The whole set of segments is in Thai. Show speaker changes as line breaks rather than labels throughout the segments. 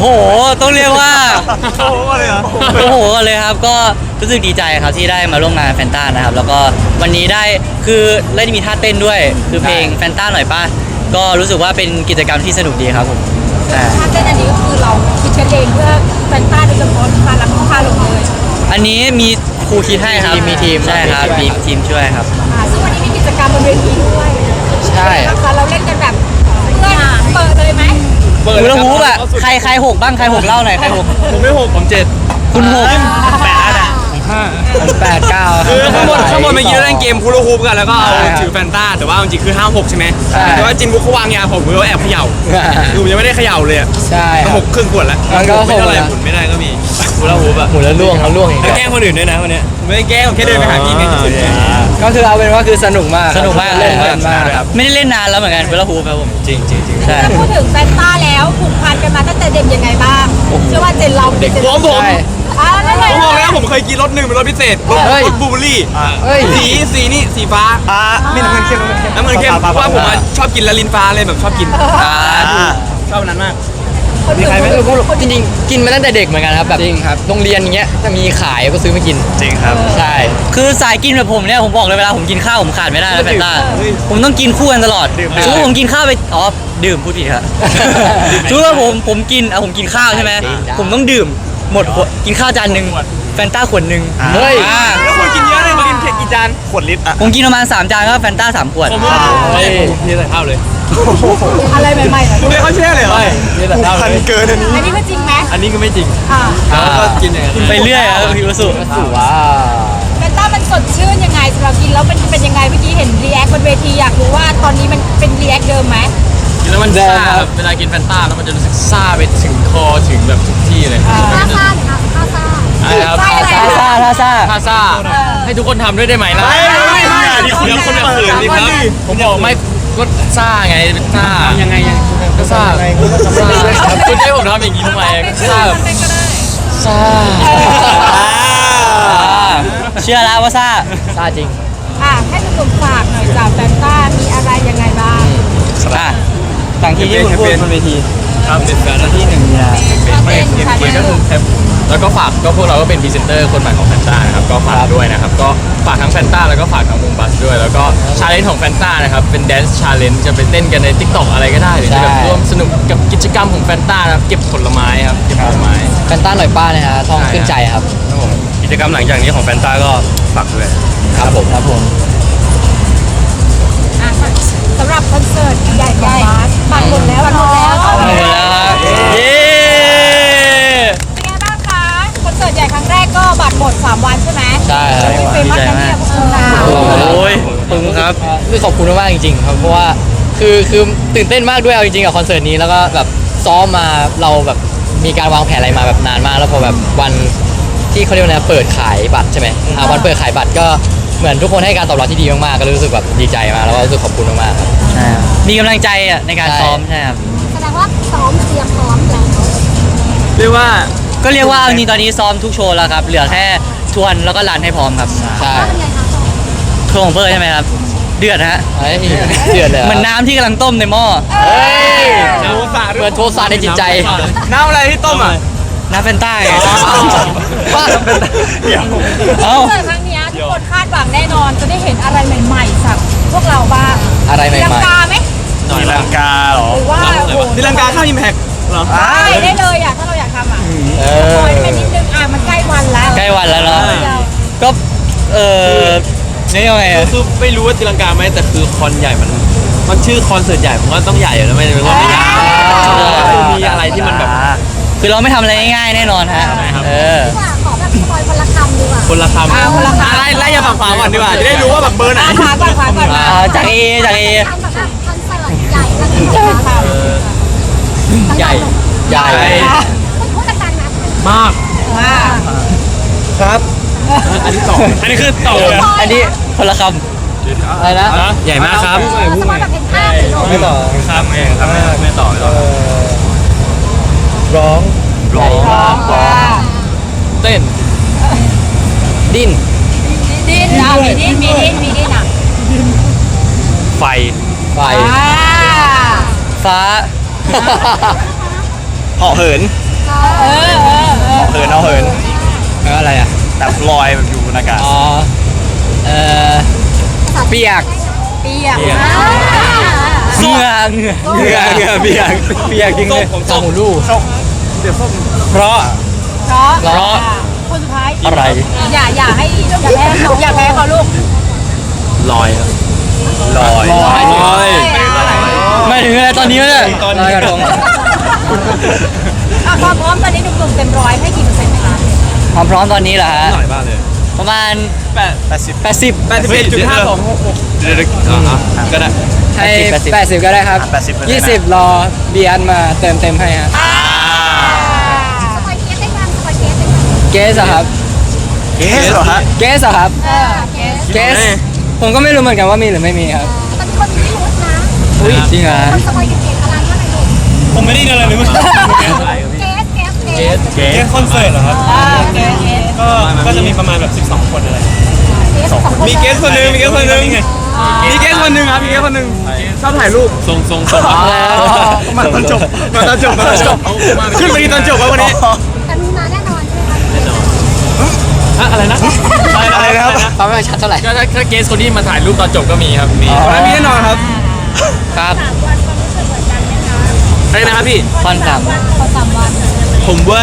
ต้องเรียกว่า
โอ้โหเลยเหรอ
โอ้โหเลยครับก็รู้สึกดีใจครับที่ได้มาร่วมงานแฟนต้านะครับแล้วก็วันนี้ได้คือได้มีท่าเต้นด้วยคือเพลงแฟนต้าหน่อยป่ะก็รู้สึกว่าเป็นกิจกรรมที่สนุกดีครับผม
ถ้าเต้นอันนี้ก็คือเราคิดกันเองเพื่อแฟนต้าโดยเฉพาะพาลังพาลงเลย
อันนี้มีครูคิดให้ครับมีทีมใช่ครับมีทีมช่วยครับ
ซึ่งวันนี้มีกิจกรรมบนเวทีด้วย
ใช่
นะคะเราเล่นกันแบบเพื่อนเปิดเลยไหม
ฮูลาฮูปอ่ะใครหกบ้างใครหกเล่าหน่อยใครหก
ผมไม่หกผมเจ็ด
คุณหก
แปดอ่ะ
ผม8 9
คือข้างบนเมื่อกี้เราเล่นเกมฮูลาฮูปกันแล้วก็เอาถือแฟนต้าแต่ว่าจริงๆคือ5 6ใช่ไหมแต่ว่าจินบุ๊กเขาวางยาผมก็แอบเขย่าคือผมยังไม่ได้เขย่าเลยอ่ะ
ใช่
ก็6ครึ่งขวดแล้ว
มันก็
ไม่เท่าไหร่
หก
หมุนไม่ได้ก็มีฮูลาฮูปอ่ะ
หมุนแล้วล่วงอีก
แล้วแกล้งคนอื่นด้วยนะวันนี้ไม่ได้แกล้งผมแค่เดินไปหาพี่เฉย
ก็คือเอาเป็นว่าคือสนุกมากเล่นมาก
ครับ
ไม่ได้เล่นนานแล้วเหมือนกันฮูลาฮูปครับผม
จริงจริงจริง
ใช่
ถ้าพูดถึงแฟนต้าแล้วผูกพันกันมาตั้งแต่เด็กยังไงบ้างเชื่อว่าเจนเราเด็ก
ผม
นั่นเลย
ผมบอกแล้วผมเคยกินรถหนึ่งเป็นรถพิเศษรถบลูเบอร์รี่สีนี่สีฟ้าไม่น้ำเงินเข้มน้ำเงินเข้มเพราะว่าผมชอบกินละลินฟ้าเลยแบบชอบกินชอบนั้นมาก
มีใครไม่รู้
จริงๆกินมาตั้งแต่เด็กเหมือนกันครับแบบจริงครับโรงเรียนอย่างเงี้ยถ้ามีขายก็ซื้อมากิน
จริงครับ
ใช่คือสายกินแบบผมเนี่ยผมบอกเลยเวลาผมกินข้าวผมขาดไม่ได้นะแฟนต้าผมต้องกินคู่กันตลอดสมมติผมกินข้าวไปดื่มพูดผิดครับสมมติว่าผมกินข้าวใช่ไหมผมต้องดื่มหมดกินข้าวจานหนึ่งแฟนต้าขวดหนึ่ง
เฮ้ย
อ่า
แล้วคนกินเยอะเลยมากินเค้กกี่จานขวดลิตรอ่ะ
ผมกินประมาณ3 จานก็แฟนต้า3 ขวด
ผมว่านี่ใส่ข้าวเลย
อะไรใหม่ๆเหรอ
คุณเรียกเขาเชื่อเลยเหรอนี่ใส่ข้าวเลยเกินอันนี้
อันนี้ก็จริงไหม
อันนี้ก็ไม่จริง
อ่า
ก็กินอย่างนั้น
ไปเรื่อยครับพี่วสุว้า
แฟนต้ามันสดชื่นยังไงสำหรับกินแล้วมันเป็นยังไงเมื่อกี้เห็นรีแอคบนเวทีอยากรู้ว่าตอนนี้มันเป็นรีแอคเดิมไหม
กินแล้วมันซ่าครับเวลากินแฟนต้าแล้วมันจะรู้สึกซ่าไปถึงคอถึงแบบทุกที่เลย
ท่าซ่าครับท่าซ่า
ครับ
ซ่าอะไร
ท่าซ่า
ท่าซ่าให้ทุกคนทำด้วยได้ไหมล่ะ
เดี๋ยวคนจะเขินดิครับ
ผมบอกไม่ก็ซ่าไงเป็นซ่ายังไงก็ซ่าคุณให้ผมทำอย่างนี้ทำไมก็ซ่าแบบซ่า
เชื่อแล้วว่าซ่าจริง
ให้หนุ่มๆฝากหน่อยจากแฟนต้ามีอะไรยังไงบ้าง
ต่างที่ที่คุณพูดบนเวที
ครับเป็นแฟนแล้ว
ที่1 มีนา
เป็นก็คือแล้วก็ฝากก็พวกเราก็เป็นพรีเซนเตอร์คนใหม่ของแฟนต้านะครับก็ฝากด้วยนะครับก็ฝากทั้งแฟนต้าแล้วก็ฝากทั้งวงบัสด้วยแล้วก็ชาเลนจ์ของแฟนต้านะครับเป็นแดนซ์ชาเลนจ์จะไปเต้นกันใน TikTok อะไรก็ได้หรือจะแบบร่วมสนุกกับกิจกรรมของแฟนต้านะครับเก็บผลไม้ครับเก็บผลไม้
แฟนต้าหน่อยป้านะฮะทองขึ้นใจครับ
กิจกรรมหลังจากนี้ของแฟนต้าก็ฝากด้วย
ครับผม
สำหรับคอนเสิร์ตใหญ่ของบาสบัตรหมดแล้วบัตรหมดแล้ว
หมดแล้วครับเย้
เป็นไงบ้างคะคอนเสิร์ตใหญ่ครั้งแรกก็บัตรหมด3 วันใช่ไหม
ใช่ครับ
เฟ
ดี
มัส
ใจ
นะ
มา
เนี่
ก
ยพวกคุณนะ
โอ้ยปึ้งครับคือขอบคุณมากๆจริงๆครับเพราะว่าคือตื่นเต้นมากด้วยเอาจริงๆกับคอนเสิร์ตนี้แล้วก็แบบซ้อมมาเราแบบมีการวางแผนอะไรมาแบบนานมากแล้วพอแบบวันที่เขาเรียกว่าเปิดขายบัตรใช่ไหมวันเปิดขายบัตรก็เหมือนทุกคนให้การตอบรับที่ดีมากๆก็รู้สึกแบบดีใจมากแล้วก็รู้สึกขอบคุณมากๆครับใช่มีกำลังใจในการซ้อมใช่ครับ
แสดงว่าซ้อมเตรียมพร้อมแล้ว
เรียกว่า
ก็เรียกว่าเอาจริงตอนนี้ซ้อมทุกโชว์แล้วครับเหลือแค่ทวนแล้วก็รันให้พร้อมครับใช่โชว์ของเพิร์ใช่ไหมครับเดือดฮะเดือดเลยเหมือนน้ำที่กำลังต้มในหม้อ
โทสะ
เหมือนโทสะในจิตใจ
น้ำอะไรที่ต้มอ่ะ
น้ำเฟนต้าไง
บ้า
เอ้า
คอนเสิร์ตครั้งนี้ทุกคนคาดหวังแน่นอนจะได้เห็นอะไรใหม่ๆจากพวกเราบ้าง
อะไรใหม่ๆ
ตีลังกาไหม
ตีลังกาเหรอ
หรือว่าโอ้โห
ตีลังกาเข้าอิมแพคเหรอ
ได้เลยถ้าเราอยากทำคอยไปนิดนึงมันใกล้วันแล้ว
ใกล้วันแล้วเนาะก็นี่ยังไง
คือไม่รู้ว่าตีลังกาไหมแต่คือคอนใหญ่มันชื่อคอนเสิร์ตใหญ่ผมว่าต้องใหญ่อยู่แล้วไม่เป็นว่าไม่ใหญ่มีอะไรที่มันแบบ
คือเราไม่ทำอะไรง่ายๆแน่นอนฮะ
ขอแบบคอยคนละคำดีกว่า
คนละคำ
คนละคำ
ไล่อย่าฝั่งขวาก่อนดีกว่าจะได้รู้ว่าแบบเบอร์ไหน
ขวาก่อน
จากเอ
คอนเสิร์ตใหญ่แล้ว
ใหญ่
พูดกันนะ
มาก
ครับ อันนี้ต่ออันนี้คือต่อ
อันนี้คนละคำอะไรนะ
ใหญ่มากครับ
สมมติแบบเห็นภาพหรือ
ไม่ต่อครับไม่ต่อ
ร้องใหญ่มาก
เต้น
ดิ้น
ดิ้นมีดิ้นอ่ะ
ไฟ
ไฟฟ้า
เหาะเหิน
เเออเออ
เอาเหิน
แล้วอะไรอ่ะ
แบบลอยแบบอยู่บนอากาศ
อ๋อเออเปียก
เปียก
เหงื่อเปียกจริงเลยสองหูลูก
เพราะ
เพราะคนสุดท้าย
อะไร
อย่าให้อย่าแพ้เขาลูก
ลอยครับลอย
ไม่ถึงอะไรตอนนี้เนี่ยลอยกระทง
ความพร้อมตอนนี้หนุ่มๆเต็มร้อยให้กี่เปอร์เซ็นต์คะ
ความพร้อมตอนนี้เหรอฮะ
หน่อยบ้างเลย
ประมาณ
80
81.52เดี๋ยวก็ได้
ให้80 ก็ได้ครับ 20 รอเบียนมาเต็มให้ฮะ
สปอยเกสได้ยังสปอยเกสได้ยัง
เกสเหรอครับ
เกสเหรอฮะ
เกสเหรอครับ
เกส
เกสผมก็ไม่รู้เหมือนกันว่ามีหรือไม่มีครับ
ตอนนี้คนมีพิรุธนะ
อุ้ยจริงเหรอ
คนสปอยเกสอะไรว่าอะไรลูก
ผมไม่ได้ยินอะไรเลยเมื่อกี้
เกส
เกส
คอนเสิร์ตเหรอครับ
เกส
ก็จะมีประมาณแบบ12 คนอะไร
เกส2 คน
มีเกสคนหนึ่งมีเกสคนหนึ่งมีเกสคนหนึ่งครับมีเกสคนหนึ่งชอบถ่ายรูปทรงมาตอนจบขึ้นไปตอนจบแล้ววันนี้
แต่มีมาแน่นอนใช่ไหม
อะไรนะ
อะไรนะครับ
ความไม่ชัดเท่าไหร่
ก็ถ้าเกสคนที่มาถ่ายรูปตอนจบก็มีครับมี
วันนั้นมีแน่นอนครับ
ครับ
อะไรนะครับพี่
คอนสาม
พอ3 วัน
ผมว่า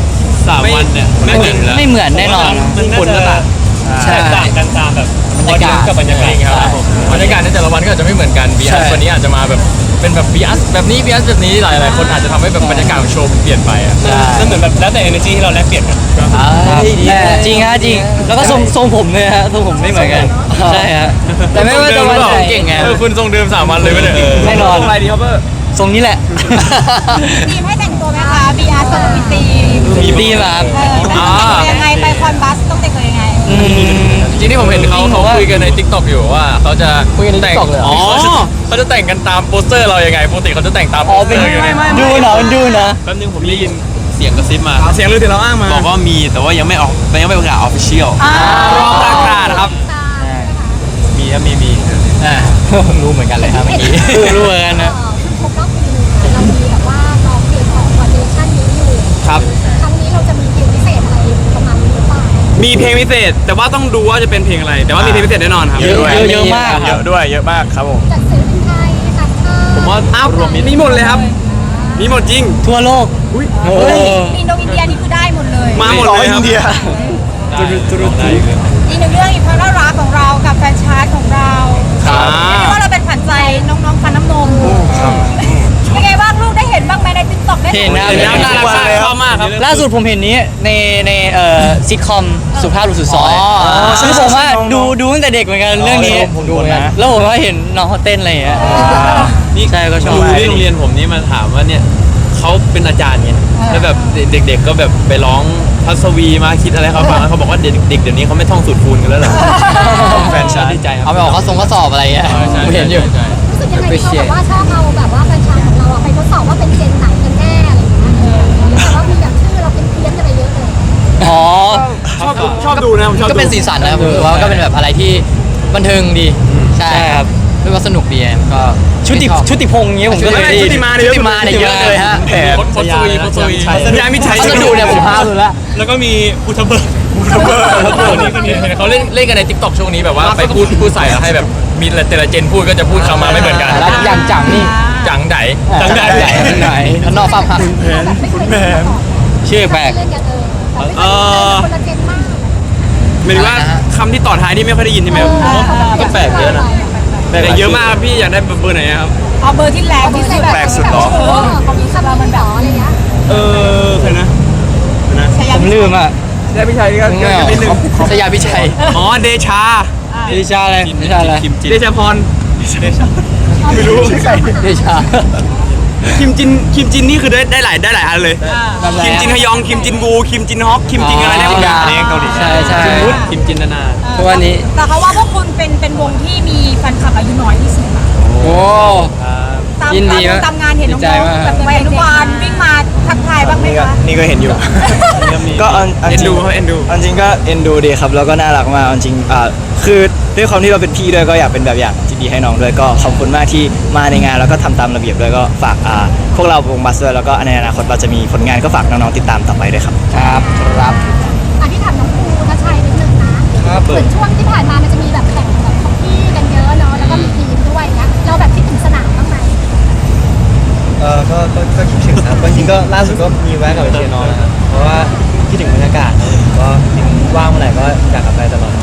3 วันเนี่ยไม่เหมือน
ไม่เหมือนแน่นอน
คนก็ต่าง
ใช่
ต่างกันตามแบบ
บรรยากาศ
กับบรรยากาศ
ครับบรรยากาศในแต่ละวันก็อาจจะไม่เหมือนกันบี
ใช่
อัสวันนี้อาจจะมาแบบเป็นแบบบีอัสแบบนี้บีอัสแบบนี้หลายๆคนอาจจะทำให้แบบบรรยากาศของโชว์เปลี่ยนไปอ่ะ
นั่นเหมือนแบบแล้วแต่ energy ที่เราแลกเปลี่ยนกัน
จริงฮะจริง แล้วก็ทรงผมเลยฮะทรงผมไม่เหมือนกัน ใช่ฮะแต่ไม่ว่าจะวันไหนเก่งไง
คุณทรงเดิม3 วันเลยไม่ได้
แน่นอน
อะไรดีครับเบอร์
ทรงนี้แหละ
ทีมให้แต่งตัวไหมคะ BR ต้องมีทีม
ดีแบบ
ยังไงไปคอนบัสต้องแต่งตัวยังไง
จริงที่ผมเห็นเขาคุยกันใน TikTok อยู่ว่าเขาจะ
คุยกันใน
แต่ง
TikTok เลยเหรอ
เขาจะแต่งกันตามโปสเตอร์เรายังไงปกติเขาจะแต่งตามโป
อ๋อ
สเต
เป็
อน ร์อยู่เนี่ย
ดูนะดูนะ
แป๊บนึงผมได้ยินเสียงกระซิบมา
เสียงลือถึงเราอ้างมา
บอกว่ามีแต่ว่ายังไม่ออกยังไม่ประกาศออฟฟิเชียล
รอประกาศครับ
มีครับมี
อ่ารู้เหมือนกันเลยครับเมื่อกี้รู้เหมือนกันนะ
ครบรอบปีเรามีแบบว่าร้องเพลงของคอนเดชั่นนี้อยู่
ครับ
ครั้งนี้เราจะมีเพลงพิเศษอะไรประมาณนี้หรือเปล่า
มีเพลงพิเศษ แต่ว่าต้องดูว่าจะเป็นเพลงอะไร แต่ว่ามีเพลงพิเศษแน่นอนครับ
เยอะมาก
เยอะด้วยเยอะมากครับผม
จัดศิลปินไทยต่างชาติ
ผมว่า
อ้าวมีหมดเลยครับ มีหมดจริง
ทั่วโลกโอ้
อินโดอินเดียนี่คือได้หมดเลย
มาหมดเลยครับ
อินเดีย
อีกหนึ่งเรื่องอีกความน่ารักของเรากับแฟนชาร์ตของเรา
ครับ
เรียกว่าเราเป็นขวัญใจน้องๆฟันน้ำนมเป็นไงบ้างลูกได้เห็นบ้างไหมในติ๊กต็อกได้
เห็นนะ
เห็นแล้วน่ารักมากชอบมากครับ
ล่าสุดผมเห็นนี้ในซิทคอมสุภาพบุรุษสุดซอยซึ่งผมว่าดูตั้งแต่เด็กเหมือนกันเรื่องนี้
ผมดูนะ
แล้วผมก็เห็นน้องเขาเต้นอะไรอย่างเงี้ยใช่ก็ชอบ
ครูที่โรงเรียนผมนี่มาถามว่าเนี่ยเขาเป็นอาจารย์ไงแล้วแบบเด็กๆก็แบบไปร้องพัศวีมาคิดอะไรเขาฟังแล้วเขาบอกว่าเด็กเดี๋ยวนี้เขาไม่ท่องสูตรคูณกันแล้วเหรอแฟนชาดีใจครับ
เอาไปออกข้อสอบอะไรเงี้ยผมเห็นอยู่
รู้สึกยังไงที่เราแบบว่าชอบเอาแบบว่าแฟนชาร์ตของเราอะไปทดสอบว่าเป็นเจนไหนกันแน่อะไรอย่างเงี้ยแต่ว่ามีแบบชื่อเราเป็นเพี้ยนกันไปเยอะเลย
อ๋อ
ชอบดูนะผมชอบดู
ก็เป็นสีสันนะครับผมว่าก็เป็นแบบอะไรที่บันเทิงดีใช่ครับด้วยว่าสนุกดีก็ชุติพงษ์เงี้ยผมก็เลย
ชุติมาเนี่ย
ชุติมาเนี่ยเยอะเลยฮะ
แผน
โพสต์วีโพสต์วี
ยามิชัย
พัสดุเนี่ยผมพาเลยละ
แล้วก็มีอุทเบิร์ก
เขาเล่นกันใน TikTok ช่วงนี้แบบว่าไปพูดใส่แล้วให้แบบมีแต่ละเจนพูดก็จะพูดคำมาไม่เหมือนกัน
แล้วอย่างจังนี่
จังได
จังไหนแล้วนอกฟังหัก
คุณแม่
ชื่อแปลก
เล่นกันคนละเจนมาก
หมายถึงว่าคำที่ต่อท้ายนี่ไม่ค่อยได้ยินใช่ไหมครับ
ก็แปลกเยอะนะ
แต่เยอะมากครับพี่อยากได้เบอร์ไหนครับ
เอาเบอร์ที่แรงที่สุด
แปลกสุดเหรอ
ของนี้คำมันหรออะไรเงี้ย
ใครนะ
ผมลืมอ่ะ
ได้พี่ชัยก็นิดนึง
ชยาพิชัย
อ๋อเดชา
ดิชาอะไรดิชาอะไร
เดชาพรไม่รู้
ดิชา
คิมจินนี่คือได้หลายอันเลย คิมจินฮยองคิมจินวูคิมจินฮอกคิมจินอะไรได้หมดเลย
อันนี้เกาหลี
ใช่ใช่
คิมจินนานา
ทุกวันนี้
แต่เขาว่าพวกคุณเป็นวงที่มีแฟนคลับอายุน้อยที่สุด
โอ้
ต
าม
ยินดีมาก
ตามงานเห็นน้อง
ดีใจมาก
ๆแบบวัยอนุบาลวิ่งมาทักทายบ้างไหมคะ
นี่ก็เห็นอยู่ ก็
เอ็น
อันจริ
ดู
ง
เขาเอ็นดู
อันจริงก็เอ็นดูดีครับแล้วก็น่ารักมากอันจริงคือด้วยความที่เราเป็นพี่ด้วยก็อยากเป็นแบบอย่างที่ดีให้น้องด้วยก็ขอบคุณมากที่มาในงานแล้วก็ทำตามระเบียบด้วยก็ฝากพวกเราวงบัสด้วยแล้วก็ในอนาคตเราจะมีผลงานก็ฝากน้องๆติดตามต่อไปด้วยครับ
ครับครับ
อันที่ถามน้องภูทัชชัยนิดนึงนะครับ เหมือนช่วงที่ผ่านมามันจะมีแบบแข่งแบบของพี่กันเยอะเนาะแล้วก็มีทีมด้วยนะเราแบบคิดถึงสนามบ้างไหม
ก็คิดถึงครับจริงๆก็ล่าสุดก็มีแวะกลับไปเชียร์น้องนะครับเพราะว่าคิดถึงบรรยากาศนะก็จริงว่างเมื่อไหร่ก็อยากกลับไปตลอด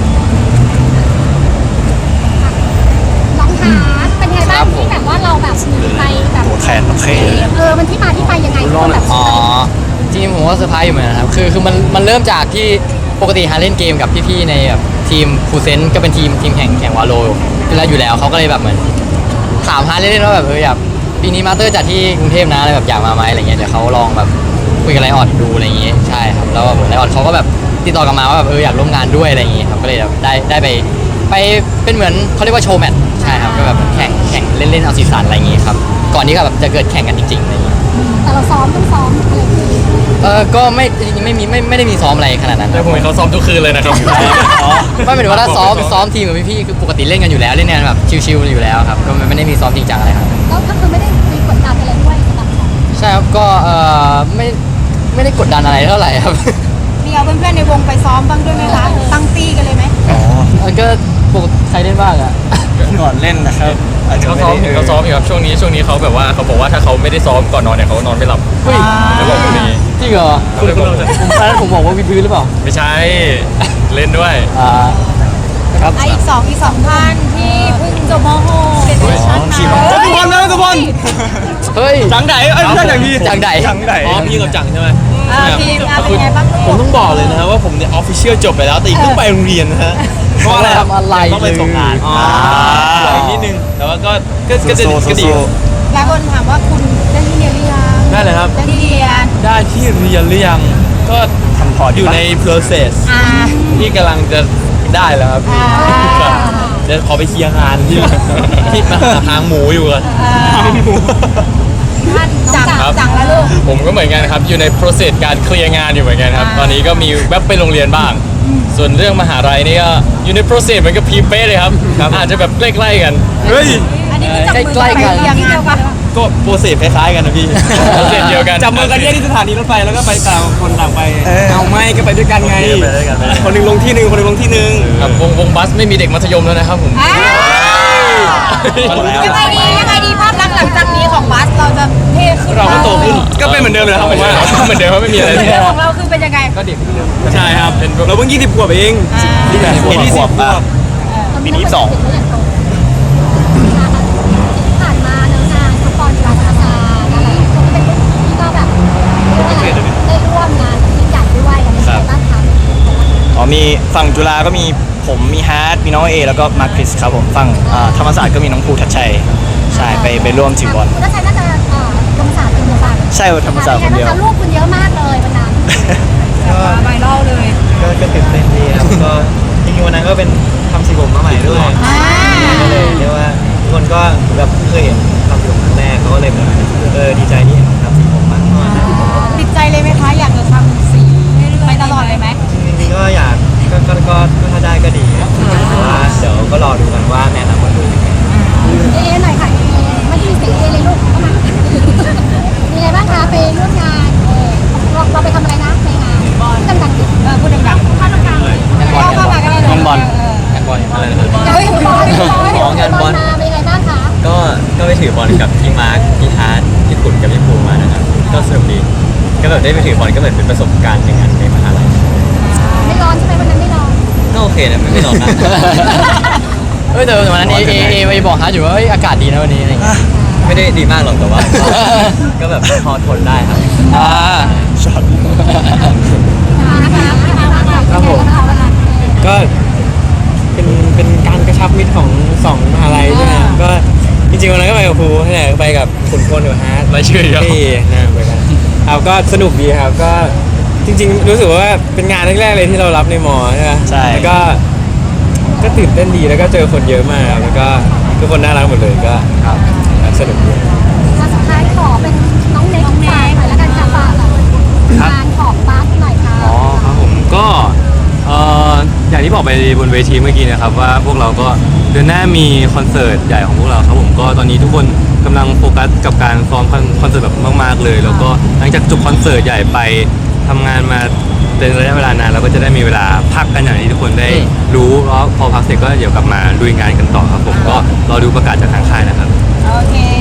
น้องฮาร์ดเป็นไงบ้างที่แบบว่าเราแบบมีไปแบบ
โอ้แทนโอเค
มันที่มาที่ไปยังไงคนแบบ
อ๋อจริงๆผมว่าเซอร์ไพรส์อยู่เหมือนกันครับคือมันเริ่มจากที่ปกติฮาเล่นเกมกับพี่ๆในแบบทีมฟูเซนก็เป็นทีมแข่งวาโลอยู่แล้วเขาก็เลยแบบเหมือนถามฮาเล่นๆว่าแบบอยากปีนี้มาสเตอร์จัดที่กรุงเทพนะอะไรแบบอยากมาไหมอะไรเงี้ยเดี๋ยวเขาลองแบบคุยกับไลออดดูอะไรอย่างงี้ใช่ครับแล้วแบบไลออดเขาก็แบบติดต่อกลับมาว่าแบบอยากร่วมงานด้วยอะไรอย่างงี้ครับก็เลยแบบได้ไปเป็นเหมือนเขาเรียกว่าโชว์แมตช์ใช่ครับก็แบบแข่งเล่นๆเอาสีสันอะไรอย่างงี้ครับก่อนที่แบบจะเกิดแข่งกันจริงๆอะไรอย่างงี้
แต่เราซ้อมต้องซ้อมอะไรอย่างงี้
ก็ไม่จริงๆไม่ได้มีซ้อมอะไรขนาดนั้นค
แต่
รับ
ผมเห็นเขาซ้อมทุกคืนเลยนะครับ
ไม่หมายถึงว่าถ้าซ้อมทีมกับพี่ๆคือปกติเล่นกันอยู่แล้วเล่นกันแบบชิวๆอยู่แล้วครับก็ไม่ได้มีซ้อมจริงจังอะไรครับ
แล้วก็คือไม่ได้มีกดดันอะไรด้วยสำหรับเรา
ใช่ครับก็ไม่ได้กดดันอะไรเท่าไหร่ครับ
มีเอาเพื่อนๆในวงไปซ้อมบ้างด้วยไหมคะตั้งตี้กันเลยไหม
ก็ปกติใครเล่นบ้างอะ
ก่อนเล่นนะครับอาจจะ
เขา
ไม่
ซ้อม
ได้
เขาซ้อมอยู่ครับช่วงนี้เขาแบบว่าเขาบอกว่าถ้าเขาไม่ได้ซ้อมก่อนนอนเนี่ยเขานอนไม่หลับ
เฮ้ย
แล้วบอกคนนี้
จริงเหรอ
เขาเลยบอกผม
ผมตอนนั้นผมบอกว่าวิดพื้นหรือเปล่า
ไม่ใช่เล่นด้วย
ครับ
อีกสองท่านที่เพิ่งจบม .6 เป็นชั้น
ทีม
ทุกคนนะทุกคน
เฮ้ย
จังไหนเอ้ยไม่ใช่อย่างดี
จังไหน
จังไหน
อ๋อพี่กับจังใช่ไหม
ทีมเป็นไงบ้าง
ผมต้องบอกเลยนะฮะว่าผมเนี่ยออฟฟิเชียลจบไปแล้วแต่อีกเพิ่งไปโรงเรียนนะฮะ
เพราะอะไรทำอะไร
ต้องไปส่งงาน
อ๋อ
อีกนิดนึงแต่ว่าก็จะ
โซ
ก็ดี
หลายคนถามว่าคุณได้ที่เรียนหรือยัง
ได้เลยครับ
ได้ที่เรียน
ได้ที่เรียนหรือยังก็
ทำพอร์ต
อยู่ใน process ที่กำลังจะได้แล้วครับครับเดี๋ยวขอไปเคลียร์งานที่มาหาทางหมูอยู่กัน
จังแล้วลูก
ผมก็เหมือนกันครับอยู่ใน process การเคลียร์งานอยู่เหมือนกันครับตอนนี้ก็มีแวบไปโรงเรียนบ้าง ส่วนเรื่องมหาลัยนี่ก็อยู่ใน process เหมือนกับพีเป้เลยครับอาจจะแบบใกล้ๆกัน
เฮ้ย
อันนี้จับมือ
ใกล้ๆกัน
ไปเรียนเดียวกัน
ก็โปรเซสคล้ายๆกันนะพี่
process เดียวกัน
จับมือกันแยกที่สถานีรถไฟแล้วก็ไปต่างคนต่างไป เอาไม่ก็ไปด้วยกันไง
ไปด้วยกันไปด้วยกัน
คนหนึ่งลงที่หนึ่งคนหนึ่งลงที่หนึ่ง
ครับวงบัสไม่มีเด็กมัธยมแล้วนะครับผม
ยังไงดีภาพลักษณ์หลังจากนี้ของบัสเราจะเท่ขึ้น
เราก็โตขึ้น
ก็เป็นเหมือนเดิมเลยครับผมว่า
เหมือนเดิมว่าไม่มีอะไร
เรื่องของเราคือเป็นยังไง
ก็เด็กเหมือนเดิม
ใช่ครับเราเพิ่ง20 ขวบเอง
ที่แบบ
ปีที่10 ขวบ
ปีนี้2
ผ่านมาเนื้องานฟุตบอลกีฬาธรรมศาสตร์อะไรคนเป็นรุ่นพี่ก็แบบได้ร่วมงานยิ่งใหญ่ด้วยอะไรอย่างเงี้ยบ้างคะ
อ๋อมีฝั่งจุฬาก็มีผมมีฮาร์ดมีน้องเอแล้วก็มาร์คคริสครับผมฝั่งธรรมศาสตร์ก็มีน้องภูทัชชัยใช่ไปร่วมถือบอล
คุณทัชชัยน่าจะธรรมศาสตร์คนเดียวกัน
ใช่ธรรมศาสตร์คนเดียว
ลูกคุณเยอะมากเลยวันนั้น
ไวรัลเลย
ก็ตื่นเต้นดีครับก็จริงๆวันนั้นก็เป็นทำสีผมมาใหม่ด้วยก็เลยเรียกว่าทุกคนก็แบบเคยเห็นทำสีผมครั้งแรกเขาก็เลยแบบดีใจที่เห็นทำสีผมมาก
ติดใจเลยไหมคะ อยากจะทำสีไปตลอดเลยไหม
จริงๆก็อยากก็ถ้าได้ก็ดีครับแต่ว่าเดี๋ยวก็รอดูกันว่าแม่ทำมาดูยังไง
หน่อยค่ะไม่ได้มีเสียงเลยลูกเข้ามามีไงบ้างคะไปร่วมงานเราไปทำอะไรนะในงานพูดดังๆดิพูดดังๆเข้าตรงกลางเข้ามากันเลย
งานบอลงานบอลอะไรนะครับ
เฮ้ยบอลงานบอลมาเป็นไงบ้างคะ
ก็ไปถือบอลกับพี่มาร์คพี่ฮาร์ดพี่ขุนกับพี่ภูมานะครับก็สนุกดีก็แบบได้ไปถือบอลก็เหมือนเป็นประสบการณ์หนึ่งอันในมหาลัย
ไม่ร้อนใช่ไหมวันนั้นไม่ร้อน
ก็โอเคนะไม่ร้อนนะ
เฮ้ยแต่วันนั้นเอบอกฮาร์ดอยู่ว่าอากาศดีนะวันนี้อะไรอย่างเงี้ย
ไม่ได้ดีมากหรอกแต่ว่า ก็แบบพอทนได้ครับ
ช็อต
ครับผม
ก็เป็นการกระชับมิตรของสองมหาลัยใช่ไหมครับก็จริงๆวันนั้นก็ไปกับครูนั่นแหละไปกับขุนพลกับฮาร์ด
รายชื่อเยอะ
ที่นะเหมือนกันครับก็สนุกดีครับก็จริงๆรู้สึกว่าเป็นงานแรกๆเลยที่เรารับในมอใช่ไหม
ใช่
แล้วก็ตื่นเต้นดีแล้วก็เจอคนเยอะมากครับแล้วก็ทุกคนน่ารักหมดเลยก็
สนุกด้วย
สุดท้ายขอเป็นน้องเน็กฝากหน่อยแล้วกันค่ะฝากงานของบัสหน่อยค่ะ
อ๋อครับผมก็อย่างที่บอกไปบนเวทีเมื่อกี้นะครับว่าพวกเราก็เดือนหน้ามีคอนเสิร์ตใหญ่ของพวกเราครับผมก็ตอนนี้ทุกคนกำลังโฟกัสกับการซ้อมคอนเสิร์ตแบบมากๆเลย แล้วก็หลังจากจบคอนเสิร์ตใหญ่ไปทำงานมาเป็นระยะเวลานานเราก็จะได้มีเวลาพักกันอย่างที่ทุกคนได้รู้แล้วพอพักเสร็จก็เดี๋ยวกลับมาลุยงานกันต่อครับผมก็รอดูประกาศจากทางค่ายนะครับ
โอเค